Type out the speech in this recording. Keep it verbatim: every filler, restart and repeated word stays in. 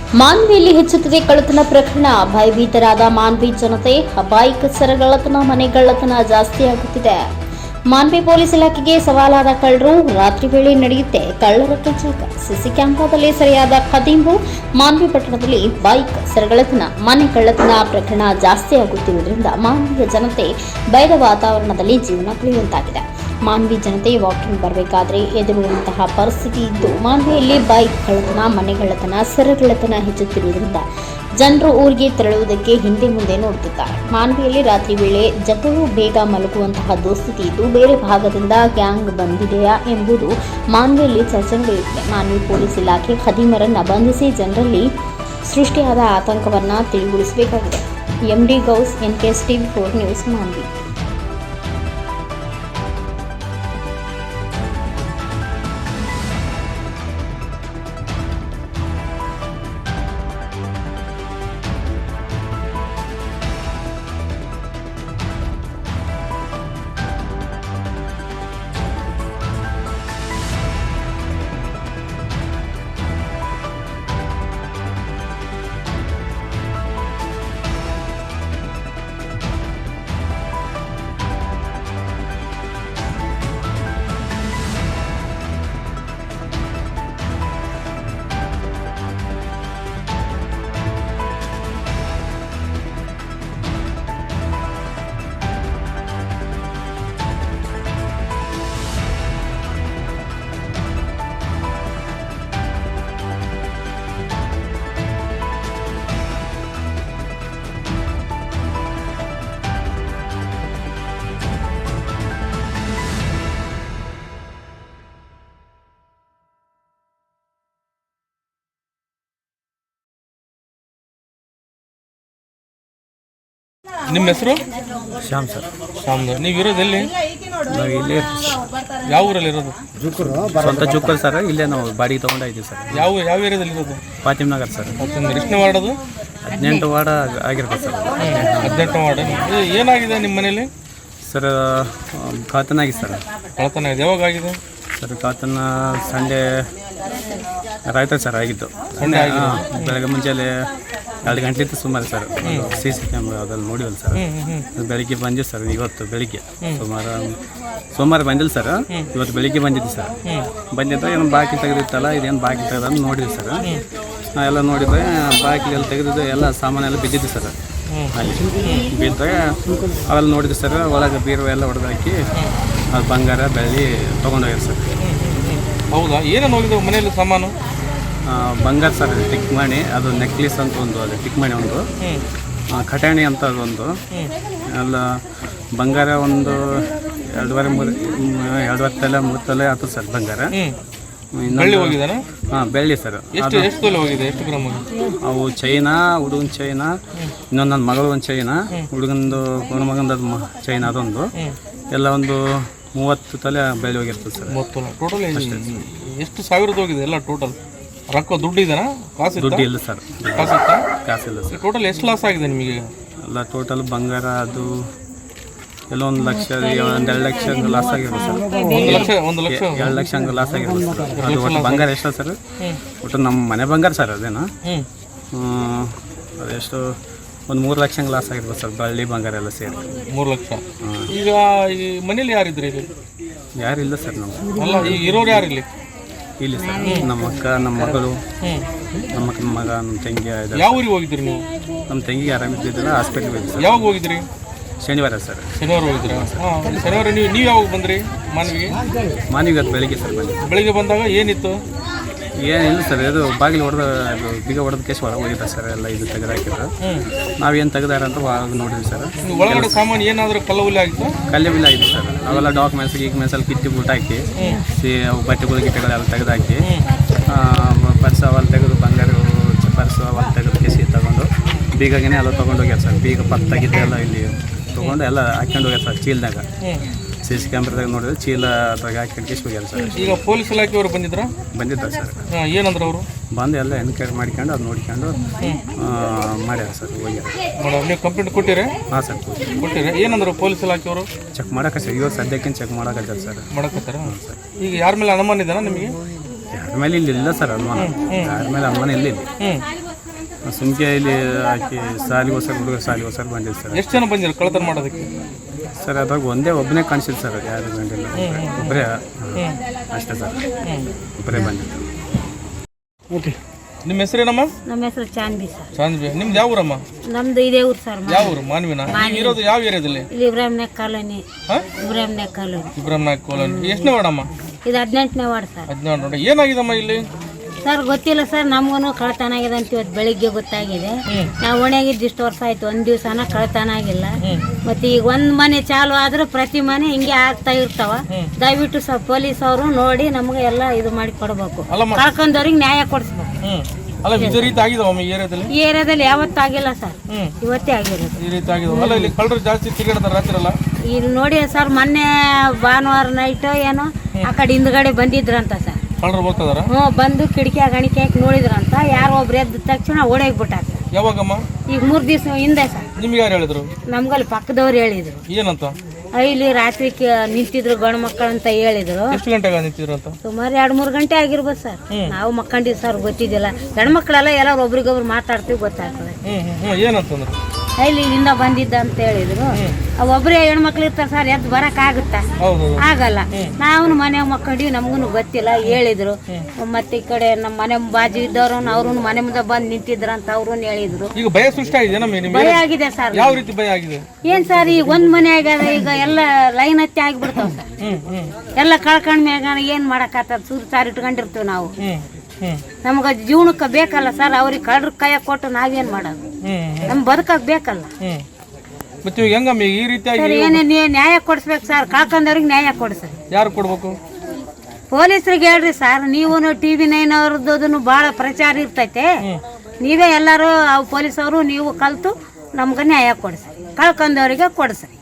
ಮಾನ್ವಿಯಲ್ಲಿ ಹೆಚ್ಚುತ್ತಿದೆ ಕಳ್ಳತನ ಪ್ರಕರಣ. ಭಯಭೀತರಾದ ಮಾನ್ವಿ ಜನತೆ. ಬೈಕ್ ಸರಗಳ್ಳತನ, ಮನೆಗಳ್ಳತನ ಜಾಸ್ತಿಯಾಗುತ್ತಿದೆ. ಮಾನ್ವಿ ಪೊಲೀಸ್ ಇಲಾಖೆಗೆ ಸವಾಲಾದ ಕಳ್ಳರು. ರಾತ್ರಿ ವೇಳೆ ನಡೆಯುತ್ತೆ ಕಳ್ಳರ ಕಚೇಕ. ಸಿಸಿ ಕ್ಯಾಮೆರಾದಲ್ಲಿ ಸೆರೆಯಾದ ಖದೀಮ್ರು. ಮಾನ್ವಿ ಪಟ್ಟಣದಲ್ಲಿ ಬೈಕ್ ಸರಗಳ್ಳತನ, ಮನೆ ಕಳ್ಳತನ ಪ್ರಕರಣ ಜಾಸ್ತಿಯಾಗುತ್ತಿರುವುದರಿಂದ ಮಾನ್ವಿಯ ಜನತೆ ಭಯದ ವಾತಾವರಣದಲ್ಲಿ ಜೀವನ ಕಳೆಯುವಂತಾಗಿದೆ. ಮಾನ್ವಿ ಜನತೆ ವಾಕಿಂಗ್ ಬರಬೇಕಾದ್ರೆ ಎದುರುವಂತಹ ಪರಿಸ್ಥಿತಿ ಇದ್ದು, ಮಾನ್ವಿಯಲ್ಲಿ ಬೈಕ್ ಕಳ್ಳತನ, ಮನೆಗಳ್ಳತನ, ಸರಗಳ್ಳತನ ಹೆಚ್ಚುತ್ತಿರುವುದರಿಂದ ಜನರು ಊರಿಗೆ ತೆರಳುವುದಕ್ಕೆ ಹಿಂದೆ ಮುಂದೆ ನೋಡುತ್ತಿದ್ದಾರೆ. ಮಾನ್ವಿಯಲ್ಲಿ ರಾತ್ರಿ ವೇಳೆ ಜನರು ಬೇಗ ಮಲಗುವಂತಹ ದುಸ್ಥಿತಿ ಇದ್ದು, ಬೇರೆ ಭಾಗದಿಂದ ಗ್ಯಾಂಗ್ ಬಂದಿದೆಯಾ ಎಂಬುದು ಮಾನ್ವಿಯಲ್ಲಿ ಚರ್ಚೆ ನಡೆಯುತ್ತಿದೆ. ಮಾನ್ವಿ ಪೊಲೀಸ್ ಇಲಾಖೆ ಖದೀಮರನ್ನು ಬಂಧಿಸಿ ಜನರಲ್ಲಿ ಸೃಷ್ಟಿಯಾದ ಆತಂಕವನ್ನು ತಿಳಿಗೊಳಿಸಬೇಕಾಗಿದೆ. MD Ghouse, NKS TV four news, Manvi. ನಿಮ್ಮ ಹೆಸರು? ಶ್ಯಾಮ್ ಸರ್. ಶ್ಯಾಮ್. ನೀವು ಇರೋದು ಎಲ್ಲಿ? ನಾವು ಇಲ್ಲೇ ಇರ್ತೀವಿ ಸರ್. ಯಾವ ಊರಲ್ಲಿ ಇರೋದು? ಸ್ವಂತ ಜುಕ್ಕಲ್ ಸರ್. ಇಲ್ಲೇ ನಾವು ಬಾಡಿಗೆ ತೊಗೊಂಡಾಯ್ತೀವಿ ಸರ್. ಯಾವ ಯಾವ ಏರಿಯಾದಲ್ಲಿ ಇರೋದು? ಫಾತಿಮ್ ನಗರ್ ಸರ್. ಎಷ್ಟನೇ ವಾರ್ಡ್ ಅದು? ಹದಿನೆಂಟು ವಾರ್ಡ್ ಆಗಿರ್ತದೆ ಸರ್. ಹದಿನೆಂಟು ವಾರ್ಡ್. ಏನಾಗಿದೆ ನಿಮ್ಮ ಮನೇಲಿ? ಸರ್ ಕಾತನ ಆಗಿದೆ ಸರ್. ಕಳ್ಳತನ ಆಗಿದೆ. ಯಾವಾಗ ಆಗಿದೆ ಸರ್? ಕಾತನ ಸಂಡೇ ರಾಯ್ತ ಸರ್ ಆಗಿದ್ದು. ಸಂಡೇ ಬೆಳಗ್ಗೆ ಮುಂಚೆಲೆ ಎರಡು ಗಂಟೆಲಿತ್ತು ಸುಮಾರು ಸರ್. ಸಿ ಸಿ ಕ್ಯಾಮ್ರಾ ಅದಲ್ಲಿ ನೋಡಿವಲ್ಲ ಸರ್. ಬೆಳಿಗ್ಗೆ ಬಂದಿದ್ದು ಸರ್. ಇವತ್ತು ಬೆಳಿಗ್ಗೆ ಸುಮಾರು ಸೋಮವಾರ ಬಂದಿಲ್ಲ ಸರ್. ಇವತ್ತು ಬೆಳಿಗ್ಗೆ ಬಂದಿದ್ದು ಸರ್. ಬಂದಿದ್ದ ಏನು ಬಾಕಿ ತೆಗೆದಿತ್ತಲ್ಲ, ಇದೇನು ಬಾಕಿ ತೆಗೆದು ನೋಡಿದ್ವಿ ಸರ್. ಎಲ್ಲ ನೋಡಿದ್ರೆ ಬಾಕಿಲೆಲ್ಲ ತೆಗೆದಿದ್ದು ಎಲ್ಲ ಸಾಮಾನೆಲ್ಲ ಬಿದ್ದಿದ್ದು ಸರ್. ಅಲ್ಲಿ ಬಿದ್ದಾಗ ಅವೆಲ್ಲ ನೋಡಿದ್ವಿ ಸರ್. ಒಳಗೆ ಬೀರು ಎಲ್ಲ ಹೊಡೆದಾಕಿ ಅದು ಬಂಗಾರ ಬೆಳ್ಳಿ ತೊಗೊಂಡೋಗ್ಯಾರ ಸರ್. ಹೌದಾ? ಏನೇನು ಹೋಗಿದ್ದು ಮನೆಯಲ್ಲಿ ಸಾಮಾನು? ಬಂಗಾರ ಸರ್, ಟಿಕ್ ಮಣಿ, ಅದು ನೆಕ್ಲೆಸ್ ಅಂತ ಒಂದು, ಅದು ಟಿಕ್ ಮಣಿ ಒಂದು, ಖಟಾಣಿ ಅಂತ ಒಂದು, ಎಲ್ಲ ಬಂಗಾರ ಒಂದು ಎರಡುವರೆ ಮೂರು ಎರಡುವರೆ ತಲೆ ಮೂರು ತಲೆ ಆಯ್ತು ಸರ್ ಬಂಗಾರ. ಬೆಳ್ಳಿ ಹೋಗಿದ್ದಾನೆ? ಹಾಂ, ಬೆಳ್ಳಿ ಸರ್. ಎಷ್ಟು ಎಷ್ಟು ತೊಲೆ ಹೋಗಿದೆ? ಎಷ್ಟು ಗ್ರಾಮ್? ಅವು ಚೈನಾ, ಹುಡುಗನ ಚೈನಾ, ಇನ್ನೊಂದು ನನ್ನ ಮಗಳು ಒಂದು ಚೈನಾ, ಹುಡುಗಂದು ಮಗಂದು ಚೈನಾ ಅದೊಂದು, ಎಲ್ಲ ಒಂದು ಮೂವತ್ತು ತಲೆ ಬೆಳ್ಳಿ ಹೋಗಿರ್ತದೆ ಸರ್. ಮೂವತ್ತು ಟೋಟಲ್ ಎಷ್ಟು ಸಾವಿರದ ಹೋಗಿದೆ ಎಲ್ಲ ಟೋಟಲ್? ರೊಕ್ಕ ದುಡ್ಡು ಇದೆನಾ? ಕಾಸು? ದುಡ್ಡು ಇಲ್ಲ ಸರ್. ಕಾಸು ಕಾಸಿಲ್ಲ ಸರ್. ಟೋಟಲ್ ಎಷ್ಟು ಲಾಸ್ ಆಗಿದೆ ನಿಮಗೆ? ಎಲ್ಲ ಟೋಟಲ್ ಬಂಗಾರ ಅದು ಎಲ್ಲ ಒಂದು ಲಕ್ಷ, ಒಂದು ಎರಡು ಲಕ್ಷ ಲಾಸ್ ಆಗಿರ್ಬೋದು ಸರ್. ಒಂದು ಲಕ್ಷ ಒಂದು ಲಕ್ಷ ಎರಡು ಲಕ್ಷ ಹಂಗೆ ಲಾಸ್ ಆಗಿರ್ಬೋದು ಸರ್. ಅದು ಒಟ್ಟು ಬಂಗಾರ ಎಷ್ಟು ಸರ್? ಒಟ್ಟು ನಮ್ಮ ಮನೆ ಬಂಗಾರ ಸರ್ ಅದೇನಾ? ಅದೆಷ್ಟು ಒಂದು ಮೂರು ಲಕ್ಷ ಹಂಗೆ ಲಾಸ್ ಆಗಿರ್ಬೋದು ಸರ್. ಬಳ್ಳಿ ಬಂಗಾರ ಎಲ್ಲ ಸೇರಿ ಮೂರು ಲಕ್ಷ. ಈಗ ಈ ಮನೇಲಿ ಯಾರಿದ್ರಿ? ಇಲ್ಲಿ ಯಾರಿಲ್ಲ ಸರ್. ನಮ್ಮ ಅಲ್ಲ, ಈಗ ಇರೋರು ಯಾರಿಲ್ಲಿ? ಇಲ್ಲಿ ಸರ್ ನಮ್ಮ ಅಕ್ಕ, ನಮ್ಮ ಮಗಳು, ನಮ್ಮ ಅಕ್ಕನ ಮಗ, ನಮ್ಮ ತಂಗಿ. ಯಾವ ಊರಿಗೆ ಹೋಗಿದ್ರಿ ನೀವು? ನಮ್ಮ ತಂಗಿಗೆ ಆರಾಮಿದ್ದಿಲ್ಲ, ಹಾಸ್ಪಿಟ್ಲಿಗೆ ಹೋಗಿದ್ವಿ ಸರ್. ಯಾವಾಗ ಹೋಗಿದ್ರಿ? ಶನಿವಾರ ಸರ್. ಶನಿವಾರ ಹೋಗಿದ್ರಾ? ಹಾಂ, ಶನಿವಾರ ನೀವು ನೀವು ಯಾವಾಗ ಬಂದ್ರಿ ಮಾನ್ವಿಗೆ? ಮಾನ್ವಿಗೆ ಅದು ಬೆಳಿಗ್ಗೆ ಸರ್ ಬಂದು. ಬೆಳಿಗ್ಗೆ ಬಂದಾಗ ಏನಿತ್ತು? ಏನಿಲ್ಲ ಸರ್, ಇದು ಬಾಗಿಲು ಹೊಡೆದ ಅದು ಬೀಗ ಹೊಡೆದ ಕೇಸ್ ಒಳಗೆ ಹೋಗಿದ್ದ ಸರ್. ಎಲ್ಲ ಇದು ತೆಗೆದು ಹಾಕಿದ್ರು. ನಾವೇನು ತೆಗೆದಾರ ಅಂತ ಒಳಗೆ ನೋಡಿದ್ವಿ ಸರ್. ಒಳಗಡೆ ಸಾಮಾನು ಏನಾದರೂ ಕಲ್ಲುಲಿ ಆಗಿತ್ತು? ಕಲ್ಲೆ ಬಿಲ್ಲ ಆಗಿತ್ತು ಸರ್. ಅವೆಲ್ಲ ಡಾಕ್ಯುಮೆಂಟ್ಸ್ ಗೀಕ್ಮೆಂಟ್ಸ್ ಎಲ್ಲ ಕಿತ್ತಿ ಬೂಟ್ ಹಾಕಿ, ಸಿ ಅವು ಬಟ್ಟೆಗಳು ಗಿಟ್ಟೆಗಳೆಲ್ಲ ತೆಗೆದು ಹಾಕಿ, ಪರ್ಸ್ ಅವೆಲ್ಲ ತೆಗೆದು, ಬಂಗಾರ ಪರ್ಸು ಅವೆಲ್ಲ ತೆಗೆದು ಕೇಸಿ ತಗೊಂಡು ಬೀಗನೇ ಎಲ್ಲ ತೊಗೊಂಡು ಹೋಗ್ಯಾರ ಸರ್. ಬೀಗ ಪತ್ತಾಗಿದ್ದು ಎಲ್ಲ ಇಲ್ಲಿ ತೊಗೊಂಡು ಎಲ್ಲ ಹಾಕ್ಕೊಂಡು ಹೋಗ್ಯಾರ ಸರ್ ಚೀಲದಾಗ. ಸಿ ಸಿ ಕ್ಯಾಮ್ರಾದಾಗ ನೋಡಿದ್ರೆ ಚೀಲ ಅದ್ರಾಗ ಹಾಕಿ ಕೇಸ್ ಹೋಗ್ಯಾರ ಸರ್. ಈಗ ಪೊಲೀಸ್ ಇಲಾಖೆಯವರು ಬಂದಿದ್ರ? ಬಂದಿದ್ದಾರೆ ಸರ್. ಏನಂದ್ರೆ ಅವರು ಬಂದು ಎಲ್ಲ ಎನ್ಕ್ವೈರಿ ಮಾಡ್ಕೊಂಡು ಅದು ನೋಡ್ಕೊಂಡು ಮಾಡ್ಯಾರ ಸರ್. ಹೋಗ್ಯಾರ. ನೀವು ಕಂಪ್ಲೇಂಟ್ ಕೊಟ್ಟಿರಿ? ಹಾಂ ಸರ್, ಕೊಟ್ಟಿರಿ. ಏನಂದ್ರು ಪೊಲೀಸ್ ಇಲಾಖೆಯವರು? ಚೆಕ್ ಮಾಡಕ್ಕೆ ಸರ್. ಇವಾಗ ಸದ್ಯಕ್ಕೆ ಚೆಕ್ ಮಾಡಕತ್ತಾರ ಸರ್. ಮಾಡಕತ್ತಾರ? ಈಗ ಯಾರ ಮೇಲೆ ಅನುಮಾನ ಇದೆನಾ ನಿಮಗೆ? ಯಾರ ಮೇಲೆ ಇಲ್ಲಿ ಇಲ್ಲ ಸರ್ ಅನುಮಾನ. ಯಾರ ಮೇಲೆ ಅನುಮಾನ ಇಲ್ಲ. ಸುಮ್ಕೆ ಇಲ್ಲಿ ಹಾಕಿ ಸಾಲಿಗೋಸ್ಕರ ಹುಡುಗರು ಸಾಲಿಗೋಸ್ಕರ ಬಂದಿದ್ದು ಸರ್. ಎಷ್ಟು ಜನ ಬಂದಿರ ಕಳ್ಳತನ ಮಾಡೋದಕ್ಕೆ? ಸರ್ ಅದಾಗ ಒಂದೇ ಒಬ್ಬನೇ ಕಾಣಿಸಿಲ್ಲ ಸರ್, ಅದು ಯಾರು ಬಂದಿಲ್ಲ, ಒಬ್ಬರೇ ಅಷ್ಟೇ ಸರ್, ಒಬ್ಬರೇ ಬಂದಿದ್ದು. ಓಕೆ, ನಿಮ್ಮ ಹೆಸರೇನಮ್ಮ? ನಮ್ಮ ಹೆಸರು ಚಾಂದಿ ಸರ್. ಚಾಂದ್ವಿ. ನಿಮ್ದು ಯಾವ ಊರಮ್ಮ? ನಮ್ದು ಇದೇ ಊರು ಸರ್. ಯಾವ ಊರು? ಮಾನ್ವಿನ. ಇರೋದು ಯಾವ ಏರಿಯಾದಲ್ಲಿ? ಇಲ್ಲಿ Ibrahim Nayak colony. Ibrahim Nayak colony. Ibrahim Nayak colony. ಎಷ್ಟನೇ ವಾರ್ಡಮ್ಮ? ಇದು ಹದಿನೆಂಟನೇ ವಾರ್ಡ್ ಸರ್. ಹದಿನಾರು. ನೋಡಿ ಏನಾಗಿದಮ್ಮ ಇಲ್ಲಿ? ಸರ್ ಗೊತ್ತಿಲ್ಲ ಸರ್, ನಮಗೂ ಕಳ್ಳತನ ಆಗಿದೆ ಅಂತ ಇವತ್ತು ಬೆಳಿಗ್ಗೆ ಗೊತ್ತಾಗಿದೆ. ನಾವು ಒಣಗಿದ್ದು ಇಷ್ಟು ವರ್ಷ ಆಯ್ತು, ಒಂದ್ ದಿವಸನ ಕಳ್ಳತನ ಆಗಿಲ್ಲ. ಮತ್ತೆ ಈಗ ಒಂದ್ ಮನೆ ಚಾಲು ಆದ್ರೂ ಪ್ರತಿ ಮನೆ ಹಿಂಗೆ ಆಗ್ತಾ ಇರ್ತಾವ. ದಯವಿಟ್ಟು ಸರ್ ಪೊಲೀಸ್ ಅವರು ನೋಡಿ ನಮ್ಗೆ ಎಲ್ಲ ಇದು ಮಾಡಿ ಕೊಡ್ಬೇಕು, ಕಳ್ಕೊಂಡವ್ರಿಗೆ ನ್ಯಾಯ ಕೊಡಿಸ್ಬೇಕು. ಅಲ್ಲ, ಇದೇ ರೀತಿ ಆಗಿದಾವಮ್ಮ ಈ ಏರಿಯಾದಲ್ಲಿ? ಈ ಏರಿಯಾದಲ್ಲಿ ಯಾವತ್ತೂ ಆಗಿಲ್ಲ ಸರ್, ಇವತ್ತೇ ಆಗಿರೋದು. ಈ ರೀತಿ ಆಗಿದಾವ. ಅಲ್ಲ, ಇಲ್ಲಿ ಕಳ್ಳರು ಜಾಸ್ತಿ ತಿರುಗಾಡ್ತಾರೆ ರಾತ್ರಿ ಅಲ್ಲ? ಇಲ್ಲಿ ನೋಡಿ ಸರ್, ಮೊನ್ನೆ ಭಾನುವಾರ ನೈಟ್ ಏನೋ ಆ ಕಡೆ ಹಿಂದ್ಗಡೆ ಬಂದಿದ್ರಂತ ಸರ್. ಕಳ್ಳರು ಹೋಗ್ತದಾರ? ಹ್ಞೂ, ಬಂದು ಕಿಟಕಿ ಗಣಿಕೆ ಹಾಕಿ ನೋಡಿದ್ರಂತ. ಯಾರೋ ಒಬ್ರು ಎದ್ದ ತಕ್ಷಣ ಓಡೋಗ್ಬಿಟ್ಟಾರ. ಯಾವಾಗಮ್ಮ? ಈಗ ಮೂರ್ ದಿವಸ ಹಿಂದೆ ಸರ್. ನಿಮ್ಗೆ ಯಾರು ಹೇಳಿದ್ರು? ನಮ್ಗಲ್ಲಿ ಪಕ್ಕದವ್ರು ಹೇಳಿದ್ರು. ಏನಂತ? ಇಲ್ಲಿ ರಾತ್ರಿ ನಿಂತಿದ್ರು ಗಂಡು ಮಕ್ಕಳು ಅಂತ ಹೇಳಿದ್ರು. ಎಷ್ಟು ಗಂಟೆಗೆ ನಿಂತಿದ್ರು ಅಂತ? ಸುಮಾರು ಎರಡ್ ಮೂರ್ ಗಂಟೆ ಆಗಿರ್ಬೋದು ಸರ್. ನಾವು ಮಕ್ಕಂಡಿದ್ ಸರ್, ಗೊತ್ತಿದ್ದಿಲ್ಲ. ಗಂಡು ಮಕ್ಕಳೆಲ್ಲ ಎಲ್ಲಾರು ಒಬ್ರಿಗೊಬ್ರು ಮಾತಾಡ್ತೀವಿ, ಗೊತ್ತಾಗ್ತದೆ. ಏನಂತಂದ್ರೆ ಇಲ್ಲಿ ಇಲ್ಲಿಂದ ಬಂದಿದ್ದ ಅಂತ ಹೇಳಿದ್ರು. ಒಬ್ಬರೇ ಹೆಣ್ಮಕ್ಳು ಇರ್ತಾರೆ ಸರ್, ಎದ್ದು ಬರಕ್ ಆಗುತ್ತಾ? ಆಗಲ್ಲ. ನಾವು ಮನೆ ಮಕ್ಕಂಡಿವಿ, ನಮಗೂ ಗೊತ್ತಿಲ್ಲ. ಹೇಳಿದ್ರು. ಮತ್ತೆ ಈ ಕಡೆ ನಮ್ಮ ಮನೆ ಬಾಜು ಇದ್ದವ್ರು ಅವ್ರು ಮನೆ ಮುಂದೆ ಬಂದು ನಿಂತಿದ್ರಂತ ಅವ್ರು ಹೇಳಿದ್ರು. ಈಗ ಭಯ ಸೃಷ್ಟಿ ಆಗಿದೆ? ಭಯ ಆಗಿದೆ ಸರ್. ಯಾವ ರೀತಿ ಭಯ ಆಗಿದೆ? ಏನ್ ಸರ್, ಈಗ ಒಂದ್ ಮನೆ ಆಗ್ಯದ, ಈಗ ಎಲ್ಲ ಲೈನ್ ಹತ್ತಿ ಆಗಿಬಿಡ್ತಾವ ಸರ್. ಎಲ್ಲ ಕಳ್ಕೊಂಡ್ ಮ್ಯಾಗ ಏನ್ ಮಾಡಕ್ ಆತದ? ಸೂರ್ ಸಾರ್ ಇಟ್ಕೊಂಡಿರ್ತೀವಿ ನಾವು. ನಮ್ಗ ಜೀವನಕ್ಕೆ ಬೇಕಲ್ಲ ಸರ್, ಅವ್ರಿಗೆ ಕಳ್ರ ಕೈಯ ಕೊಟ್ಟು ನಾವೇನ್ ಮಾಡೋದು? ನಮ್ ಬದುಕಕ್ ಬೇಕಲ್ಲ ಈ ರೀತಿ ಸರ್. ಏನೇ ನ್ಯಾಯ ಕೊಡಿಸ್ಬೇಕು ಸರ್, ಕಳ್ಕೊಂಡವ್ರಿಗೆ ನ್ಯಾಯ ಕೊಡಿಸ್ರಿ. ಯಾರು ಕೊಡ್ಬೇಕು? ಪೊಲೀಸರಿಗೆ ಹೇಳ್ರಿ ಸರ್. ನೀವು ಟಿವಿ ನೈನ್ ಅವ್ರದ್ದು ಬಹಳ ಪ್ರಚಾರ ಇರ್ತೈತೆ. ನೀವೇ ಎಲ್ಲಾರು ಪೊಲೀಸ್ ಅವರು ನೀವು ಕಲ್ತು ನಮ್ಗೆ ನ್ಯಾಯ ಕೊಡಿಸ್ರಿ, ಕಳ್ಕೊಂಡವ್ರಿಗೆ ಕೊಡಿಸ್ರಿ.